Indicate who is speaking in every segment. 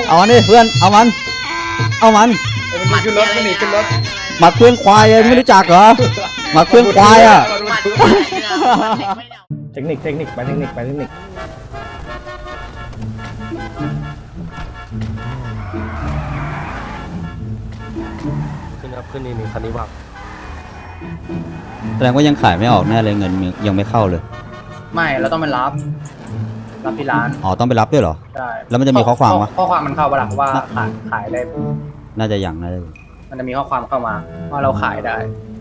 Speaker 1: เอามันดิเพื่อนเอามัน
Speaker 2: มันขึ้นรถมันหนีขึ้นรถ
Speaker 1: หมัดเครื่องควายไงไม่รู้จักเหรอหมัดเครื่องควายอ่ะ
Speaker 2: เทคนิคไปเทคนิค
Speaker 3: ขึ้นครับขึ้นนี่คันนี้ว่าง
Speaker 1: แสดงว่ายังขายไม่ออกแน่เลยเงินยังไม่เข้าเลย
Speaker 2: ไม่เราต้องไปรับที่ร้าน
Speaker 1: อ๋อต้องไปรับด้วยเหรอ
Speaker 2: ใช่
Speaker 1: แล้วมันจะมีข้อความวะ
Speaker 2: ข้อความมันเข้าปะล่ะว่าขายได้
Speaker 1: น่าจะยังน่าจะ
Speaker 2: มันจะมีข้อความเข้ามาว่าเราขายได้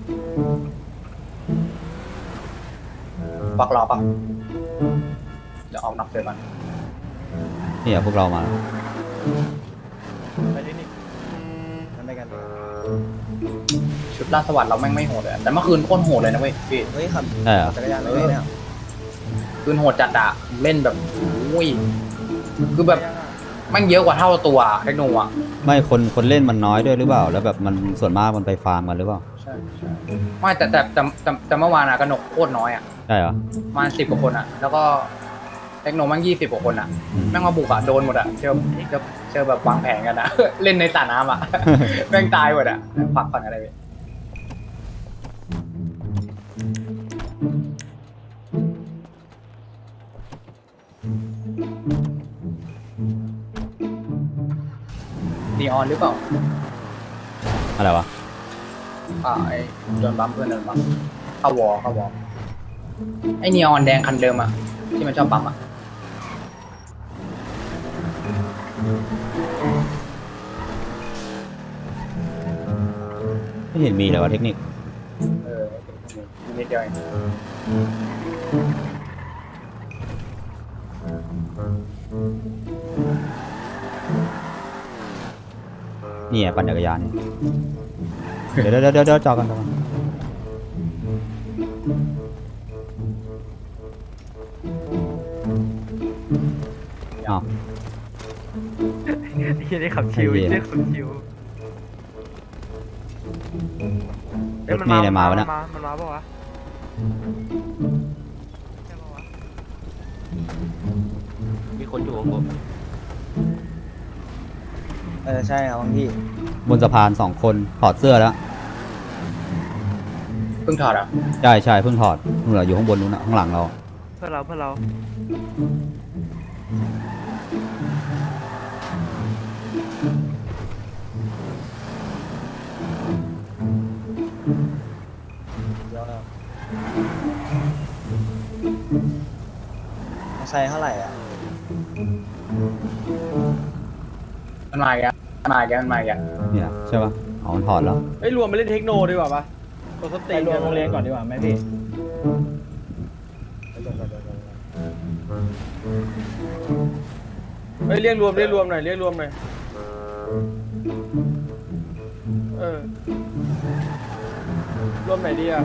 Speaker 2: ปักรอปะเดี๋ยวออกนับเลยมัน
Speaker 1: นี่พวกเรามาแล้ว
Speaker 3: ไปที่นี่ทำไปกัน
Speaker 2: ชุดราชสวัสดิ์เราแม่งไม่โหดเลยแต่เมื่อคืนโคตรโหดเลยนะเว้ยพี่
Speaker 3: เฮ้ยขับ
Speaker 1: ได้เหรอ
Speaker 3: จักรยานเลยเนี่ย
Speaker 2: คืนโหดจัดอะเล่นแบบอุ้ยคือแบบแม่งเยอะกว่าเท่าตัวเทคโนอ่ะ
Speaker 1: ไม่คนเล่นมันน้อยด้วยหรือเปล่าแล้วแบบมันส่วนมากมันไปฟาร์มกันหรือเปล่า
Speaker 2: ใช่ไม่แต่เมื่อวานอะกระหนกโคตรน้อยอะ
Speaker 1: ได้เหรอ
Speaker 2: ประมาณ10 กว่าคนอะแล้วก็เทคโนแม่ง20 กว่าคนอะแม่งมาบุกอะโดนหมดอะเชื่อแบบวางแผนกันอะ เล่นในสระน้ำอะ แม่งตายหมดอะพักผ่อนอะไรไปนีออนหรือเปล่า
Speaker 1: อะไรวะ
Speaker 2: ไอ้โดนบัมเพื่อนโดนบัมเข้าวอไอ้นีออนแดงคันเดิมอะที่มันชอบบัมอะ
Speaker 1: ไม่เห็นมีเลยวะเทคนิค
Speaker 2: นิดเดียวเอง
Speaker 1: นี่ไงปั่นจักรยานนี่เดี๋ยวจอกันอ้าว
Speaker 3: ที่ได้ขับชิวที่ได้ขับชิว
Speaker 1: รถเมล์เนี่ยมาวะเนี่ย
Speaker 3: มันมาปะวะ มีคนอยู่ของผมใช่ครับพี่
Speaker 1: บนสะพาน2 คนถอดเสื้อแล้ว
Speaker 2: เพิ่งถอดอ่ะ
Speaker 1: ใช่เพิ่งถอดนู่นเหรออยู่ข้างบนนู้นนะข้างหลังเรา
Speaker 3: เพื่อเราใช้เท่าไหร่อ่ะ
Speaker 2: มันมาอีกแล้ว
Speaker 1: เนี่ยใช่ปะอ๋อมันถอดแล้ว
Speaker 4: เฮ้ยรวมไปเล่นเทคโนดีกว่าปะตัวสติรวมโรงเรียนก่อนดีกว่าไหมพี่เฮ้ยเรียกรวมหน่อยเรียกรวมหน่อยรวมไหนดีอ่ะ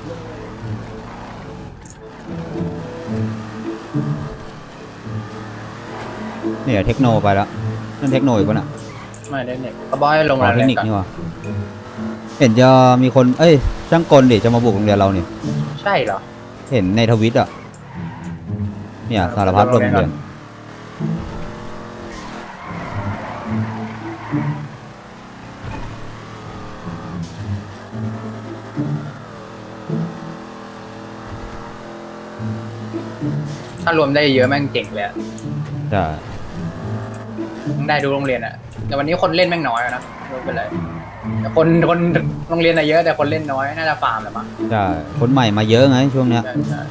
Speaker 1: เนี่ยเทคโนไปแล้วนั่นเทคโนอีกปะน่ะ
Speaker 2: ไม่ได้เน็ตเขาบอกให้ลง
Speaker 1: อ๋อ
Speaker 2: ราย
Speaker 1: เท
Speaker 2: ละ
Speaker 1: ค
Speaker 2: เอี
Speaker 1: นิ
Speaker 2: ย
Speaker 1: ค
Speaker 2: ดก่อน
Speaker 1: นี่วะเห็นจะมีคนช่างกลดิจะมาบุกโรงเรียนเราเนี่ย
Speaker 2: ใช่เหรอ
Speaker 1: เห็นในทวิตอ่ะเนี่ยสารพัดโรงเรียน
Speaker 2: ถ้ารวมได้เยอะแม่งเจ๋งเลยอะ
Speaker 1: ใช่
Speaker 2: ได้ดูโรงเรียนอ่ะแต่วันนี้คนเล่นแม่งน้อยนะไม่เป็นไรแต่คนโรงเรียนอะเยอะแต่คนเล่นน้อยน่าจะฟาร์มแหละมั้ง
Speaker 1: ใช่คนใหม่มาเยอะไงช่วงเนี้ย
Speaker 2: ใช่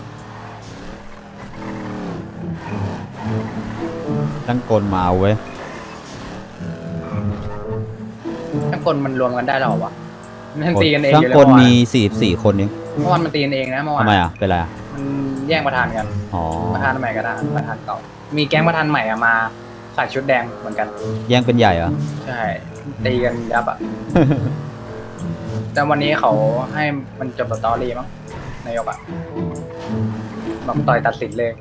Speaker 1: ช่างกลมาเอาเว้ย
Speaker 2: ถ้าคนมันรวมกันได้หรอวะมันตีกันเอง
Speaker 1: ช่าง
Speaker 2: อยู่
Speaker 1: ก
Speaker 2: แล้ว
Speaker 1: ลมี44 คนเอง
Speaker 2: เมื่อวานมันตีกันเองนะเมื่อวาน
Speaker 1: ทำไมอ่ะเป็นไรอ่ะ
Speaker 2: มันแย่งประธานกัน
Speaker 1: อ๋อ
Speaker 2: ประธานใหม่กับประธานเก่ามีแก๊งประธานใหม่อะมาใส่ชุดแดงเหมือนกัน
Speaker 1: แย่งเป็นใหญ่เหรอ
Speaker 2: ใช่ตีกันยับอ่ะ แต่วันนี้เขาให้มันจบสตอรี่มั้งนายกอ่ะบอกต่อยตัดสินเลย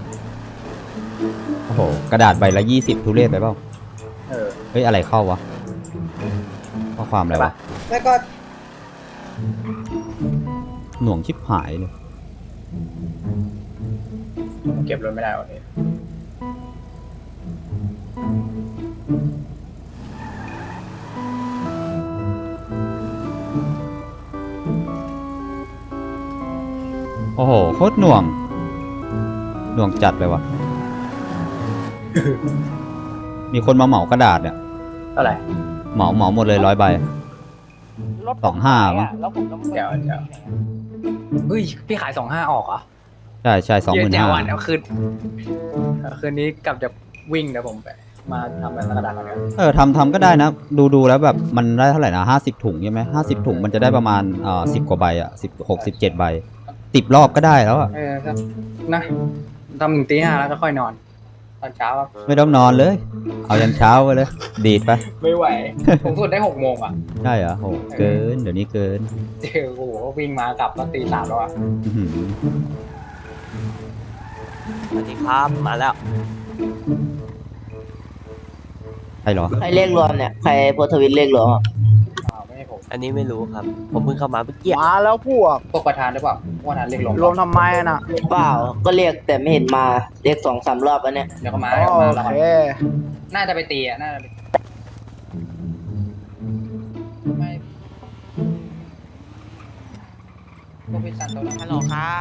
Speaker 1: โอ้โหกระดาษใบละ20ทุเรศไปเปล่า เฮ้ยอะไรเข้าวะข้อความอะไรวะ
Speaker 2: แล้วก็
Speaker 1: หน่วงชิบหายเลย
Speaker 2: เก็บรถไม่ได้วันนี้
Speaker 1: โอ้โหโคตรหน่วงจัดเลยวะ มีคนมาเหมากระดาษเนี่ย
Speaker 2: เท่าไหร่
Speaker 1: เหมาหมดเลย100 ใบ
Speaker 4: รถ
Speaker 1: 25มั้ง
Speaker 4: แล้วผมต้อง
Speaker 2: เดี๋ยวเฮ้ยพี่ขาย25ออกเหรอ
Speaker 1: ใช่25,000
Speaker 2: เดี๋ยววันเอาคืนนี้กลับจะวิ่งเดี๋ยวผมไปมาทำเป็นกระดาษกัน
Speaker 1: ทำก็ได้นะ ดูแล้วแบบมันได้เท่าไหร่นะ50 ถุงใช่ไหม50 ถุงมันจะได้ประมาณ10 กว่าใบอ่ะ16 17 ใบ10 รอบก็ได้แล้วอ่ะ
Speaker 2: ครับนะทำถึงตี 5แล้วก็ค่อยนอนตอนเช้า
Speaker 1: ไม่ต้องนอนเลย เอายันเช้าไปเลย ดีดไป
Speaker 2: ไม่ไหว ผมสุดได้6 โมงอ่ะ
Speaker 1: ใช่เหรอโหเกิน เดี๋ยวนี้เกิน
Speaker 2: เจอโอ้โหวิ่งมากลับตอนตี 3แล้วอ่ะ
Speaker 1: อื้อหือ
Speaker 3: สวัสดีครับมาแล้ว
Speaker 1: ใช่เหรอ
Speaker 5: ใครเรียกรวมเนี่ยใครโพสต์ทวิตเรียกรวมอ่ะ
Speaker 2: ไม่ให้ผม
Speaker 3: อันนี้ไม่รู้ครับ ผมเพิ่งเข้ามาเมื่อกี้
Speaker 4: มาแล้วพวก
Speaker 2: พวกประธานหรือเปล่าประธานเรียกลง
Speaker 4: รวมทำไมน่ะ
Speaker 5: เปล่าก็เรียกแต่ไม่เห็นมาเรียก2-3 รอบแล้วเนี่ย
Speaker 2: เดี๋ยวก็มา
Speaker 4: โอ
Speaker 2: แล้ว
Speaker 4: เค
Speaker 2: น่าจะไปตีอ่ะน่าจะไปไม่พวกพี่ซันโตนะ
Speaker 3: ฮัลโหลครับ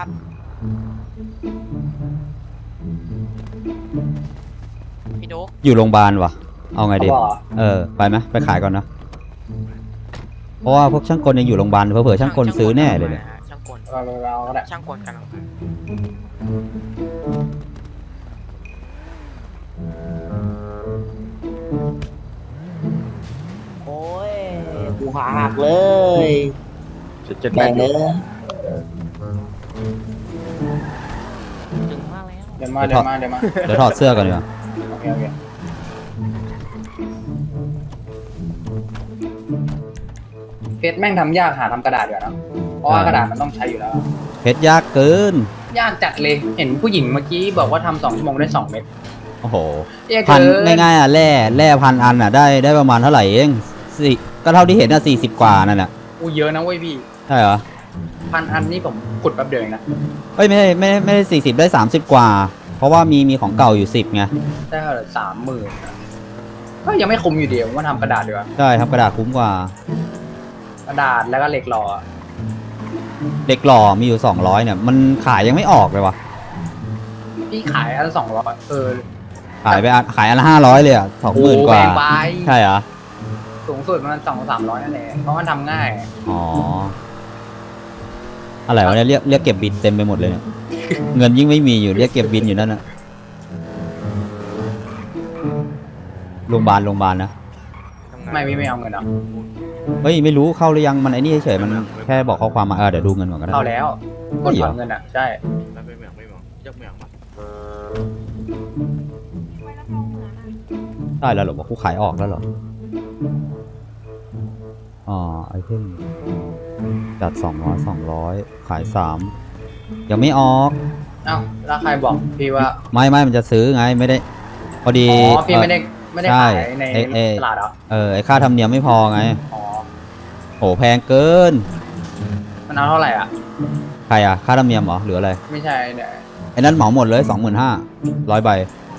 Speaker 3: พี่ดุ๊ก
Speaker 1: อยู่โรงพยาบาลวะเอาไง
Speaker 2: เขา
Speaker 1: ดี
Speaker 2: บอกเหรอ
Speaker 1: ไปไหมไปขายก่อนนะ เพราะว่าพวกช่างกลยังอยู่โรงพยาบาลเผื่อๆช่างกลซื้อแน่เลยเนี่ย
Speaker 3: ช่างกล
Speaker 2: เราก็ได้
Speaker 3: ช่างกลกันลังมา
Speaker 5: โอ้ยกูขาหักเลย
Speaker 4: เจ็ดแป
Speaker 5: แม่
Speaker 4: ด
Speaker 5: งเลย
Speaker 3: ถึงมากแล้ว
Speaker 2: เดี๋ยวมาเดี๋ยวมา
Speaker 1: เดี๋ยวถอดเสื้อก่อนดีกว่า
Speaker 2: โอเคเพชรแม่งทำยากหาทำกระดาษอยู่นะเพราะว่ากระดาษมันต้องใช้อยู่แล้ว
Speaker 1: เพชรยากเกิน
Speaker 2: ยากจัดเลยเห็นผู้หญิงเมื่อกี้บอกว่าทำ2 ชั่วโมงได้2 เม็ด
Speaker 1: โอ้โห
Speaker 2: ยาก
Speaker 1: พัน
Speaker 2: เกิน
Speaker 1: ง่ายๆอ่ะแร่พันอันอ่ะได้ประมาณเท่าไหร่เองสี่ก็เท่าที่เห็นอ่ะ40 กว่านั่นแหละ
Speaker 2: อู้เยอะนะเว้ยพี่
Speaker 1: ใช่เหรอ
Speaker 2: 1,000 อันนี่ผมขุดแป๊บเดียวเองนะ
Speaker 1: เอ้ยไม่ได้40ได้30 กว่า เพราะว่ามีของเก่าอยู่10ไง
Speaker 2: ได้เท่าไหร่30,000ก็ยังไม่คุ้มอยู่ดีผมว่าทำกระดาษดีกว่า
Speaker 1: ใช่ทำกระดาษคุ้มกว่า
Speaker 2: กระดาษแล้วก็เหล็กหล่อ
Speaker 1: เด็กหล่อมีอยู่200เนี่ยมันขายยังไม่ออกเลยวะ
Speaker 2: พี่ขายอันละ200
Speaker 1: ขายอันละ500เลยอ่ะ20,000 กว่า
Speaker 2: แพงไป
Speaker 1: ใช่เหรอ
Speaker 2: สูงสุดมัน200-300นั่นแหละเพราะมันทำง่าย
Speaker 1: อ๋ออะไรวะเนี่ยเรียกเก็บบินเต็มไปหมดเลยเนี่ย เงินยิ่งไม่มีอยู่เรียกเก็บบินอยู่นั่นน่ะโรงพยาบาลนะ
Speaker 2: ไม่พี่ไม่เอาเงินหรอก
Speaker 1: เฮ้ยไม่รู้เข้าหรือยังมันไอ้นี่เฉยๆมันแค่บอกข้อความมาเดี๋ยวดูเงินก่อนก็ได้
Speaker 2: เข้าแล้วกดถอนเงินอ่ะใช่
Speaker 3: ไม่เหมืองยกเหมืองมา
Speaker 1: ได้แล้วเหรอบอกกูขายออกแล้วเหรอไอเทมจัด200ขาย3ยังไม่ออก
Speaker 2: เอ้าแล้วใครบอกพี่ว่า
Speaker 1: ไม่มันจะซื้อไงไม่ได้ พอดี
Speaker 2: อ๋อพี่ไม่ได้ขายใน
Speaker 1: ใช่
Speaker 2: ตลาดเหรอ
Speaker 1: ไอค่าธรรมเนียมไม่พอไง
Speaker 2: อ๋อ
Speaker 1: โหแพงเกิน
Speaker 2: มันเอาเท่าไหร่อ่ะ
Speaker 1: ใครอ่ะค่าธรรมเนียมเหรอหรืออะไร
Speaker 2: ไม่ใช่เนี่ย
Speaker 1: ไอ้นั้นเหมาหมดเลย25,000 100 ใบ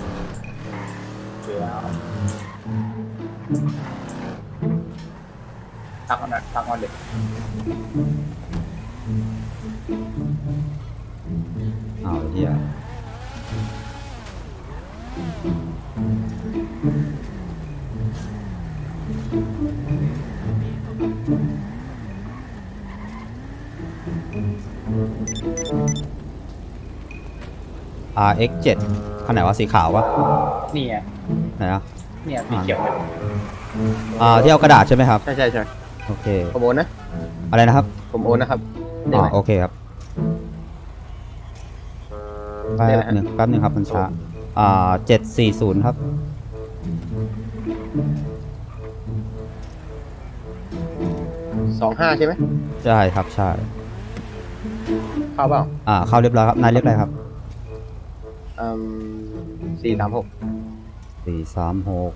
Speaker 2: ทักมันหน่อยทักมันเด็ก
Speaker 1: อ้าวไอ้เหี้ยRX7 คันไหนวะสีขาววะ
Speaker 2: นี่ไง
Speaker 1: ไหนอ่ะ
Speaker 2: เนี่ยสีเขียวเนี่ย
Speaker 1: ที่เอากระดาษใช่ไหมครับ
Speaker 4: ใช่
Speaker 1: โอเค
Speaker 4: ผมโอนนะ
Speaker 1: อะไรนะครับ
Speaker 4: ผมโอนนะครับได้ไหม
Speaker 1: โอเคครับแป๊บหนึ่งครับมันช้า740ครับ
Speaker 4: 25ใช่ไหม
Speaker 1: ใช่ครับใช่
Speaker 4: เข้าเปล่า
Speaker 1: เข้าเรียบร้อยครับนายเรียกอะไรครับ
Speaker 4: 436
Speaker 1: 436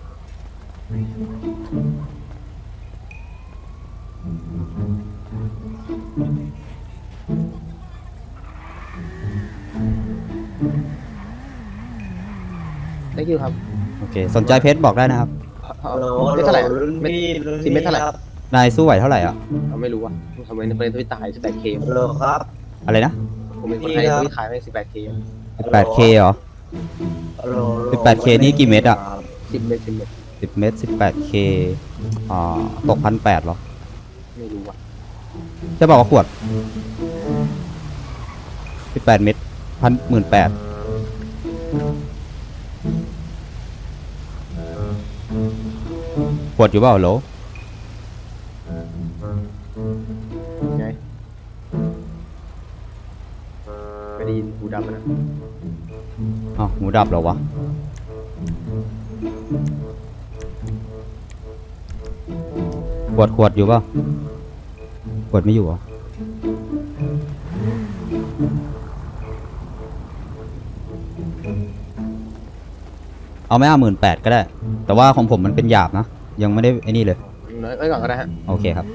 Speaker 4: ได้คิวครับ
Speaker 1: โอเคสนใจเพชรบอกได้นะครับ
Speaker 5: ไม่เท่าไหร่ไม่สิเม็ดเท่าไหร่
Speaker 1: นายสู้ไหวเท่าไหร่อ่ะ
Speaker 5: เราไม่รู้อ่ะทำไมในประเทศที่ตาย 18K ครับ
Speaker 1: อะไรนะ
Speaker 5: ผมเป็นคนไทยที่ขายไป 18K
Speaker 1: 18K เหรอ 18K นี่กี่เม็ดอ่ะ
Speaker 5: 10 เม็ด
Speaker 1: 10 เม็ด 18K ตก1,800เหรอ
Speaker 5: ไม่รู้อ่ะ
Speaker 1: ใช่ป่าวว่าขวด 18 เม็ด18,000ขวดอยู่เปล่าโหล
Speaker 5: ไงไม่ได้ยินหูดำนะ
Speaker 1: อ้าวหูดับเหรอวะ ขวดอยู่เปล่าขวดไม่อยู่เหรอ เอาไม่18,000ก็ได้ แต่ว่าของผมมันเป็นหยาบนะ ยังไม่ได้ไอ้นี่เลย
Speaker 5: น้อยไว้ก่อนก็ได้ฮะ
Speaker 1: โอเคครับ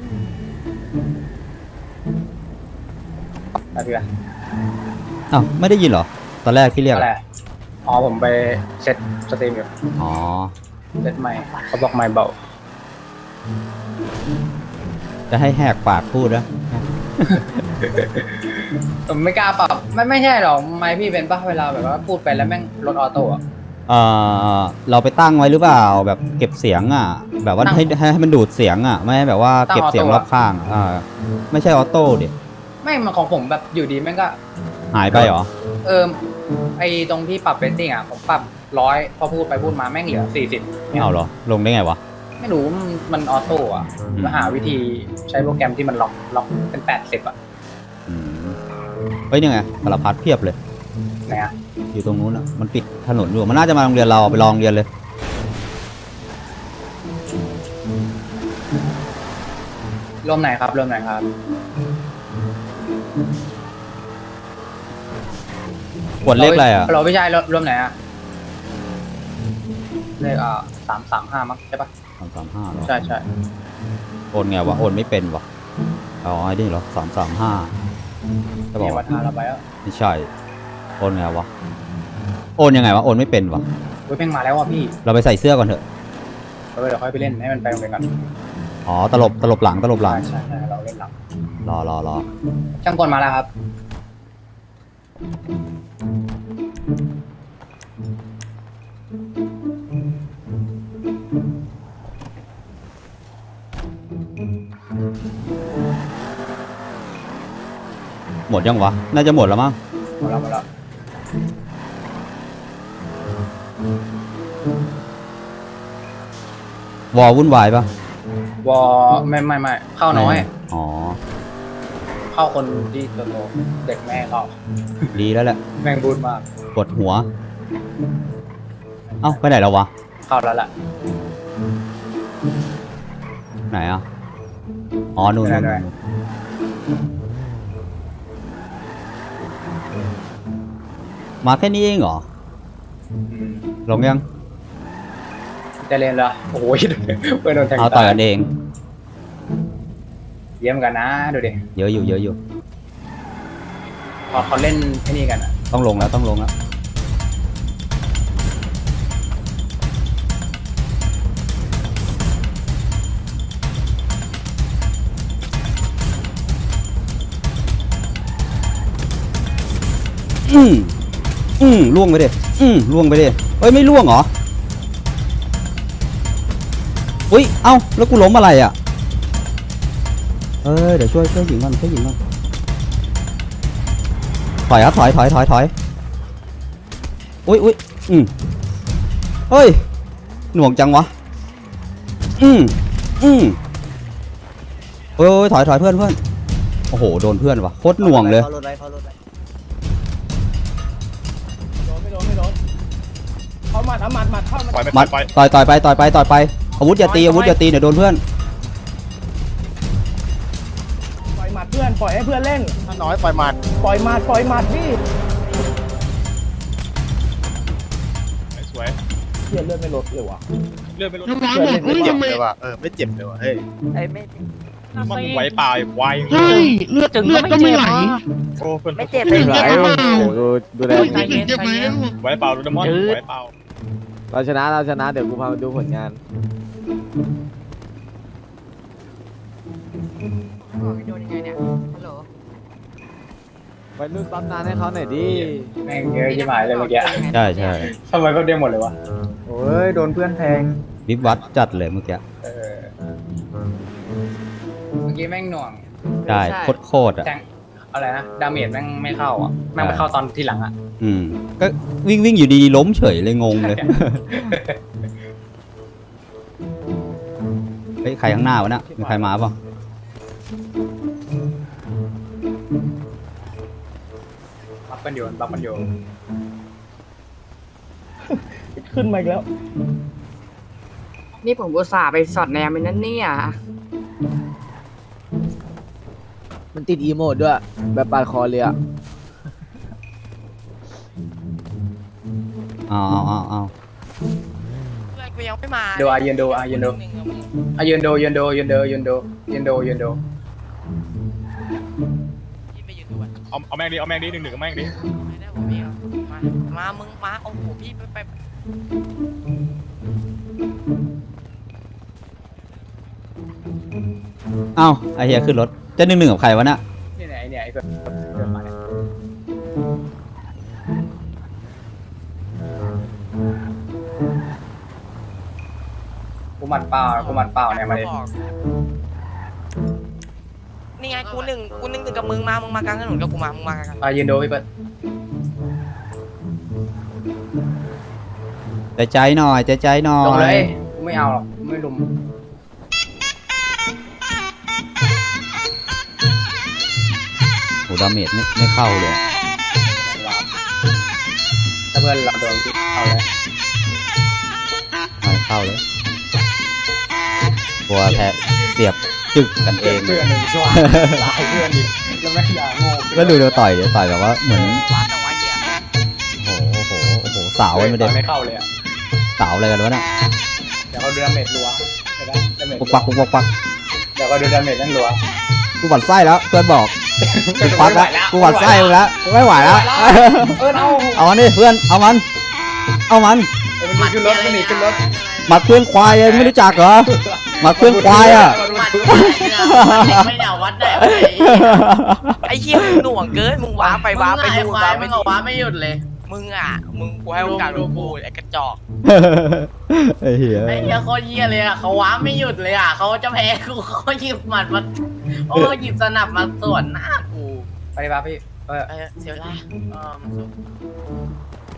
Speaker 2: อะไรพี่อะ
Speaker 1: อ้าวไม่ได้ยินเหรอ ตอนแรกที่เรียก
Speaker 2: อะไร
Speaker 1: อะ
Speaker 2: อ๋อผมไปเซ็ตสตรีมอยู่
Speaker 1: อ๋อ
Speaker 2: เซ็ตใหม่เขาบอกไม่เบา
Speaker 1: จะให้แหกปากพูดนะ
Speaker 2: ผมไม่กล้าปรับไม่ใช่หรอกไม่พี่เป็นป่ะเวลาแบบว่าพูดไปแล้วแม่งลดออโต้อะ
Speaker 1: เราไปตั้งไว้หรือเปล่าแบบเก็บเสียงอ่ะ แบบว่าให้มันดูดเสียงอ่ะ ไม่ให้แบบว่าเก็บเสียงรอบข้างไม่ใช่ออโต้ดิ
Speaker 2: ไม่มันของผมแบบอยู่ดีแม่งก็
Speaker 1: หายไปเหรอ
Speaker 2: ไอตรงที่ปรับเรตติ้งอ่ะผมปรับ100พอพูดไปพูดมาแม่งเหลือ40เนี่ย
Speaker 1: เอาเหรอ ลงได้ไงวะ
Speaker 2: ไม่รู้มันออโต้อ่ะมาหาวิธีใช้โปรแกรมที่มันล็อกเป็น80อ่ะ
Speaker 1: อืมเฮ้ยนี่ไงสารพัดเพียบเลย
Speaker 2: ไหนอ่ะ
Speaker 1: อยู่ตรงนู้นอ่ะ มันปิดถนนอยู่ มันน่าจะมาโรงเรียนเราไปลองเรียนเลย
Speaker 2: ร่วมไหนครับร่วมไหนครับ
Speaker 1: ขวดเลขอะไรอ่ะ
Speaker 2: เราไม่ใช่ร่วมไหนอ่ะเลข335มั้งใช่ปะ
Speaker 1: 335เหรอ
Speaker 2: ใช่ใช่
Speaker 1: โอนไงวะ โอนไม่เป็นวะอ๋อไอ้นี่เหรอ335จะบอก
Speaker 2: เนี่ยวั
Speaker 1: ว่า
Speaker 2: ฒนาเราไปแล้ว
Speaker 1: ไม่ใช่ โอนไงวะ โอนยังไงวะ โอนไม่เป็นวะ
Speaker 2: เฮ้ยเพ่งมาแล้วว่ะพี่
Speaker 1: เราไปใส่เสื้อก่อนเถอะ
Speaker 2: เดี๋ยวค่อยไปเล่นให้มันไปโรงเรียนก่อน
Speaker 1: อ๋อ ตลบหลัง
Speaker 2: ใช่เราเล่นหลัง
Speaker 1: รอ
Speaker 2: ช่างกลมาแล้วครับ
Speaker 1: หมดยังวะ น่าจะหมดแล้วมั้ง
Speaker 2: หมดแล้ว
Speaker 1: วอลวุ่นวายปะ
Speaker 2: วอไม่เข้าน้อย
Speaker 1: อ๋อ
Speaker 2: เข้าคนที่โตเด็กแม่เข้า
Speaker 1: ดีแล้วแหละ
Speaker 2: แม่งบูดมาก
Speaker 1: ปวดหัว เอ้า ไปไหนแล้ววะ
Speaker 2: เข้าแล้วล่ะ
Speaker 1: ไหนอ่ะ อ๋อ นู่น
Speaker 2: ไหน
Speaker 1: มาแค่นี้เองเหรอ ลงยัง
Speaker 2: จะเล่นเหรอโอ้ยเพื่อนโดนแทง
Speaker 1: เอาต่อยกันเอง
Speaker 2: เยี่ยมกันนะดูดิ
Speaker 1: เยอะอยู่
Speaker 2: พอเขาเล่นไอ้นี่กันอะ
Speaker 1: ต้องลงแล้ว ล่วงไปดิล่วงไปดิเอ้ย ไม่ล่วงเหรอ อุ้ย เอ้า แล้วกูล้มอะไรอ่ะ เดี๋ยวช่วยหญิงก่อนถอยครับ ถอย อุ้ยเฮ้ย หน่วงจังวะ เฮ้ย ถอยเพื่อน โอ้โห โดนเพื่อนวะโคตรหน่วงเลย
Speaker 5: เข้ารถไว้
Speaker 4: ไม่โดนเขาหมัดเข้ามา
Speaker 3: ปล่อยไป
Speaker 1: มัด
Speaker 3: ปล่อย
Speaker 1: ต่อยไปอาวุธอย่าตีเดี๋ยวโดนเพื่อน
Speaker 4: ปล่อยหมัดเพื่อนปล่อยให้เพื่อนเล่น
Speaker 3: ถ้าน้อยปล่อยหมัด
Speaker 4: ปล่อยหมัดพี่
Speaker 3: สวย
Speaker 4: เลือดไม่ลดเลยวะ
Speaker 3: เลื่อนไปรถ
Speaker 6: น้องๆบอก
Speaker 3: ไม่
Speaker 6: เฮ้ย
Speaker 3: เจ็บ
Speaker 6: ทำไม
Speaker 3: เลยว่ะไม่เจ็บเลยว่ะเฮ้ย
Speaker 5: ไอ้ไม่
Speaker 3: มันไหวเปล่าไหว
Speaker 6: ใช่เลือดก็ไม่ไหล
Speaker 3: โอ้เพื่อน
Speaker 5: ไม่เจ็บ
Speaker 6: ไม่
Speaker 5: เลย
Speaker 6: เจ็บ
Speaker 5: เหรอ
Speaker 6: เปล่า
Speaker 7: ดูแล
Speaker 6: ไม่เจ็บแล้ว
Speaker 3: ไหวเปล่าดูดมอนไหวเปล่า
Speaker 7: เราชนะเดี๋ยวกูพามาดูผลงานบอกให้โดนยังไงเนี่ยฮัลโหล
Speaker 3: ไปรุ่นปั๊มนานให้เขาหน่อยดิ
Speaker 2: แม่งเยอะที่หมายเลยเมื่อกี้
Speaker 1: ใช่ใช่
Speaker 2: ทำไมเขาเด้งหมดเลยวะโอ้ยโดนเพื่อนแทง
Speaker 1: วิบวัดจัดเลยเมื่อกี้
Speaker 2: เมื่อกี้แม่งหน่วง
Speaker 1: ได้โคตรอ่ะ
Speaker 2: แทงอะไรนะดาเมจแม่งไม่เข้าอ่ะแม่งไปเข้าตอนที่หลังอ่ะ
Speaker 1: ก็วิ่งอยู่ดีล้มเฉยเลยงงเลย เฮ้ยใครข้างหน้าวะน่ะมีใครมาเปล่า
Speaker 2: บัฟกันอยู่บัฟกันอยู่
Speaker 4: ขึ้นมาอีกแล้ว
Speaker 7: นี่ผมอุตส่าห์ไปสอดแนมไปนั่นเนี่ย
Speaker 3: มันติดอีโมดด้วย แบบปาดคอเลยอ่ะ
Speaker 1: เอา
Speaker 7: เพื่อนกูยังไม่มา
Speaker 2: ดูยืนดูยืนดูยืนดูยืนดูยืนดูยืนดูยืนดูยืนดู
Speaker 7: พี่ไปยืนดูอ่ะ
Speaker 8: เอาแม่งดิเอาแม่งดิ1-1กับแม่งดิ
Speaker 7: ไม่ได้ผมพี่มามึงมาโอ้โหพี่ไป
Speaker 1: เอาไอเฮียขึ้นรถจะ1-1กับใครวะน่ะ
Speaker 2: นี่ไหนเนี่ยไอ้เพื่อนเดินมาเนี่ยกูหมัดเปล่าเนี่ยมาดิ
Speaker 7: นี่ไงกูหนึ่งกับมึงมากลางถนนกับกูมามึงมากัน
Speaker 2: ยืนดูพี่เปิ้ล
Speaker 1: ใจหน่อยใจหน่อ
Speaker 2: ลงเลย ยกูไม่เอาหรอกกูไม่ลุม
Speaker 1: โหดาเมจไม่เข้าเลย
Speaker 2: ถ้าเพื่อนเราโดนเอาเลย
Speaker 1: ไม่เข้าเลยตัวแทะเสียบจึกกันเอง
Speaker 2: เพื่อนหนึ่งช่วยหลายเพื่อนดิแล้วไม่ด่าโง่
Speaker 1: แล้วดูเดี๋ยวต่อยแบบว่าเหมือน
Speaker 7: วัดเอาไว้เนี่ย
Speaker 1: โอ้โหสาวไม่ได้
Speaker 2: ไม่เข้าเลยอ่ะ
Speaker 1: สาวอะไรกันวะน่ะ
Speaker 2: เดี๋ยวเขาดูดาเมจรัวเดี๋ยวนะดาเมจ
Speaker 1: ปุกปัก
Speaker 2: เดี๋ยวเขาดูดาเมจนั่นรัว
Speaker 1: กูหวั่นไส้แล้วเพื่อนบอกกูควักแล้วกูหวั่นไส้มึงแล้วกูไม่ไหวแล้ว เอามันดิเพื่อนเอามัน
Speaker 2: มันขึ้นรถมันหนีขึ้นรถ
Speaker 1: หมัดเพื่อนควายเองไม่รู้จักเหรอหมัดเพื่อนควายอ่ะ
Speaker 7: ไม่เดาวัดได้ไอ้เหี้ยมึงหน่วงเกินมึงว้าไปนู่นว้าไปนี่ว้าไม่หยุดเลยมึงกูให้โอกาสมึงพูดไอ้กระจอก
Speaker 1: ไอ้เหี้ย
Speaker 7: ไอ้เหี้ยโคตรเหี้ยเลยอ่ะเขาว้าไม่หยุดเลยอ่ะเขาจะแพ้กูเขาหยิบหมัดมาโอ้หยิบสนับมาสวนหน้ากู
Speaker 2: ไปดิป่ะพี่
Speaker 7: เสียเวลามันสุด